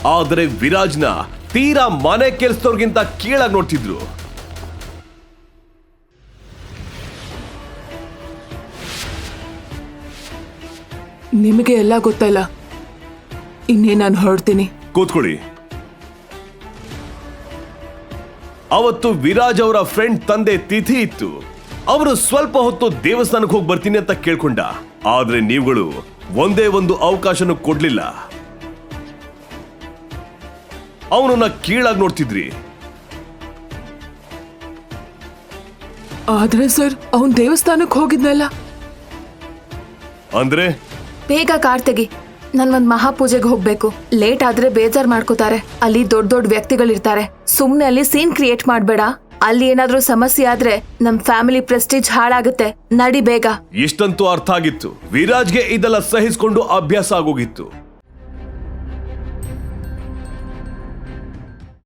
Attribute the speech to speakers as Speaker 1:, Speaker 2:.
Speaker 1: ಆದರೆ ವಿರಾಜ್ನ ತೀರಾ ಮನೆ ಕೆಲಸದವ್ರಿಗಿಂತ ಕೀಳಾಗಿ ನೋಡ್ತಿದ್ರು.
Speaker 2: ನಿಮಗೆ ಎಲ್ಲ ಗೊತ್ತಲ್ಲ, ಇನ್ನೇ ನಾನು ಹೊರಡ್ತೀನಿ.
Speaker 1: ಕೂತ್ಕೊಳ್ಳಿ. ಅವತ್ತು ವಿರಾಜ್ ಅವರ ಫ್ರೆಂಡ್ ತಂದೆ ತಿಥಿ ಇತ್ತು. ಅವರು ಸ್ವಲ್ಪ ಹೊತ್ತು ದೇವಸ್ಥಾನಕ್ಕೆ ಹೋಗಿ ಬರ್ತೀನಿ ಅಂತ ಕೇಳ್ಕೊಂಡ. ಆದ್ರೆ ನೀವುಗಳು ಒಂದೇ ಒಂದು ಅವಕಾಶನೂ ಕೊಡ್ಲಿಲ್ಲ. ಅವನನ್ನ ಕೀಳಾಗಿ ನೋಡ್ತಿದ್ರಿ.
Speaker 2: ಆದ್ರೆ ಸರ್, ಅವನ್ ದೇವಸ್ಥಾನಕ್ಕೆ ಹೋಗಿದ್ನಲ್ಲ.
Speaker 1: ಅಂದ್ರೆ
Speaker 3: ಬೇಗ ಕಾರ್ ತೆಗಿ, ನನ್ ಒಂದ್ ಮಹಾಪೂಜೆಗೆ ಹೋಗ್ಬೇಕು. ಲೇಟ್ ಆದ್ರೆ ಬೇಜಾರ್ ಮಾಡ್ಕೋತಾರೆ. ಅಲ್ಲಿ ದೊಡ್ಡ ದೊಡ್ಡ ವ್ಯಕ್ತಿಗಳಿರ್ತಾರೆ. ಸುಮ್ನೆ ಅಲ್ಲಿ ಸೀನ್ ಕ್ರಿಯೇಟ್ ಮಾಡ್ಬೇಡ. ಅಲ್ಲಿ ಏನಾದ್ರೂ ಸಮಸ್ಯೆ ಆದ್ರೆ ನಮ್ ಫ್ಯಾಮಿಲಿ ಪ್ರೆಸ್ಟೀಜ್ ಹಾಳಾಗುತ್ತೆ. ನಡಿ ಬೇಗ.
Speaker 1: ಇಷ್ಟಂತೂ ಅರ್ಥ ಆಗಿತ್ತು. ವಿರಾಜ್ಗೆ ಇದೆಲ್ಲ ಸಹಿಸ್ಕೊಂಡು ಅಭ್ಯಾಸ ಆಗೋಗಿತ್ತು.